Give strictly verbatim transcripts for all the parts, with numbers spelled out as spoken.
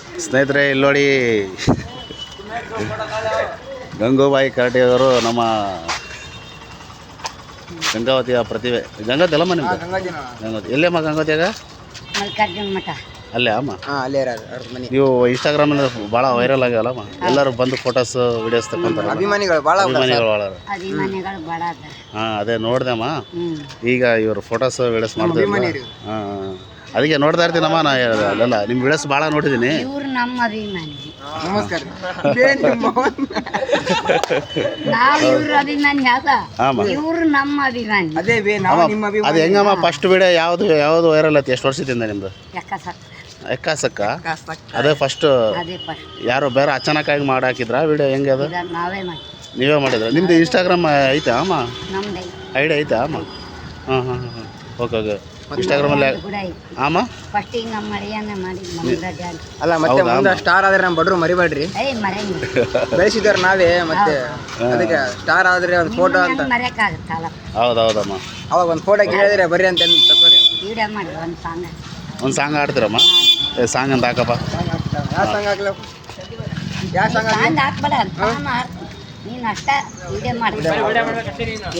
ಸ್ನೇಹಿತರೆ ಇಲ್ಲಿ ನೋಡಿ ಗಂಗೂಬಾಯಿ ಕರಟಿ ಅವರು ನಮ್ಮ ಗಂಗಾವತಿಯ ಪ್ರತಿಭೆ. ಗಂಗಾವತಿ ಅಲ್ಲಮ್ಮ ನಿಮ್ದು? ಗಂಗಾವತಿ ಎಲ್ಲಮ್ಮ ಗಂಗಾವತಿಯಾಗ? ಮಲ್ಲಿಕಾರ್ಜುನ ಮಠ ಅಲ್ಲೇ ಅಮ್ಮ. ಅಲ್ಲೇ ಇರೋದು ಅವ್ರ ಮನೆ. ನೀವು ಇನ್ಸ್ಟಾಗ್ರಾಮಲ್ಲಿ ಭಾಳ ವೈರಲ್ ಆಗ್ಯಾವಲ್ಲಮ್ಮ, ಎಲ್ಲರೂ ಬಂದು ಫೋಟೋಸ್ ವಿಡಿಯೋಸ್ ತಗೊಂತಾರೆ. ಅಭಿಮಾನಿಗಳು ಭಾಳ ಅಭಿಮಾನಿಗಳು ಭಾಳ. ಅಭಿಮಾನಿಗಳು ಭಾಳ ಅದಾರ. ಹಾಂ ಅದೇ ನೋಡ್ದಮ್ಮ. ಹ್ಮ್ ಈಗ ಇವರು ಫೋಟೋಸ್ ವಿಡಿಯೋಸ್ ಮಾಡ್ತಾರೆ. ಹಾಂ ಅದಕ್ಕೆ ನೋಡ್ತಾ ಇರ್ತೀನಮ್ಮ. ನಾ ಹೇಳಿದೆ ಅಲ್ಲೆಲ್ಲ ನಿಮ್ಮ ವಿಡಿಯೋಸ್ ಭಾಳ ನೋಡಿದ್ದೀನಿ. ಇವ್ರು ನಮ್ಮ ಅಭಿಮಾನಿ. ನಮಸ್ಕಾರ. ನಾವು ಇವ್ರ ಅಭಿಮಾನಿ ಅದ, ಹಾಂ ಇವ್ರು ನಮ್ಮ ಅಭಿಮಾನಿ. ಅದೇ ಬೇ ನಾವು ನಿಮ್ಮ ಅಭಿಮಾನಿ. ಅದು ಹೆಂಗಮ್ಮ ಫಸ್ಟ್ ವಿಡಿಯೋ ಯಾವುದು ಯಾವುದು ವೈರಲ್ ಆಯ್ತು? ಎಷ್ಟು ವರ್ಷದಿಂದ ನಿಮ್ಮದು? ಎಕ್ಕಸಕ್ಕ ಎಕ್ಕಾಸಕ್ಕ ಅದೇ ಫಸ್ಟ್? ಅದೇ ಫಸ್ಟ್. ಯಾರು ಬೇರೆ ಅಚಾನಕ್ಕಾಗಿ ಮಾಡಾಕಿದ್ರಾ ವಿಡಿಯೋ? ಹೆಂಗೆ ಅದು? ಇದ ನಾವೇ ಮಾಡಿ. ನೀವೇ ಮಾಡಿದ್ರ? ನಿಮ್ದು ಇನ್ಸ್ಟಾಗ್ರಾಮ್ ಐತಾ ಅಮ್ಮ? ನಮ್ದು ಐಡಿಯಾ ಐತಾ ಅಮ್ಮ? ಹಾಂ ಹಾಂ ಹಾಂ ಓಕೆ ಓಕೆ. ಇನ್ಸ್ಟಾಗ್ರಾಮಲ್ಲಿ ಕೂಡ ಐತಿ. ಆಮ ಫಸ್ಟಿಗೆ ನಮ್ಮ ಮಳೆಯನ್ನ ಮಾಡಿ ಮಂಗ್ರಾಜ ಅಂತ. ಅಲ್ಲ ಮತ್ತೆ ಮುಂದೆ ಸ್ಟಾರ್ ಆದ್ರೆ ನಮ್ಮ ಬಡ್ರು ಮರಿಬೇಡ್ರಿ. ಏಯ್ ಮರೆಯಂಗ ಬೆಳೆಸಿದಾರೆ ನಾವೇ. ಮತ್ತೆ ಅದಕ್ಕೆ ಸ್ಟಾರ್ ಆದ್ರೆ ಒಂದು ಫೋಟೋ ಅಂತ ಮರೆಯಕ್ಕಾಗತ್ತಲ್ಲ. ಹೌದು ಹೌದಮ್ಮ. ಅವಾಗ ಒಂದು ಫೋಟೋ ಕೇಳಿದ್ರೆ ಬರ್ರಿ ಅಂತ ತಗೋರಿ. ವಿಡಿಯೋ ಮಾಡಿ ಒಂದು ಸಾಂಗ್. ಒಂದು ಸಾಂಗ್ ಆಡ್ತೀರಮ್ಮ? ಏ ಸಾಂಗ್ ಅಂತ ಹಾಕಪ್ಪ. ಯಾವ ಸಾಂಗ್ ಹಾಕ್ಲ? ಯಾವ ಸಾಂಗ್ ಹಾಕ್ಲಿ? ಸಾಂಗ್ ಹಾಕ್ಬೇಡ ಅಂತ ನಾನು ಹಾಡ್ತೀನಿ, ನೀನು ಅಷ್ಟ ವಿಡಿಯೋ ಮಾಡಿ.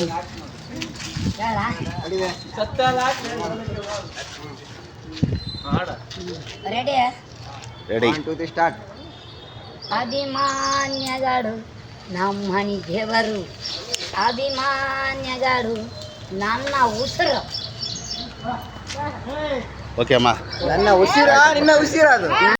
Ready ready to the start. ಅಭಿಮಾನ್ಯಗಳು ನಮ್ಮನಿ ದೇವರು, ಅಭಿಮಾನ್ಯಗಳು ನನ್ನ ಉಸಿರು. ಓಕೆ ಅಮ್ಮ. ನನ್ನ ಉಸಿರ ನಿನ್ನ ಉಸಿರ ಅದು.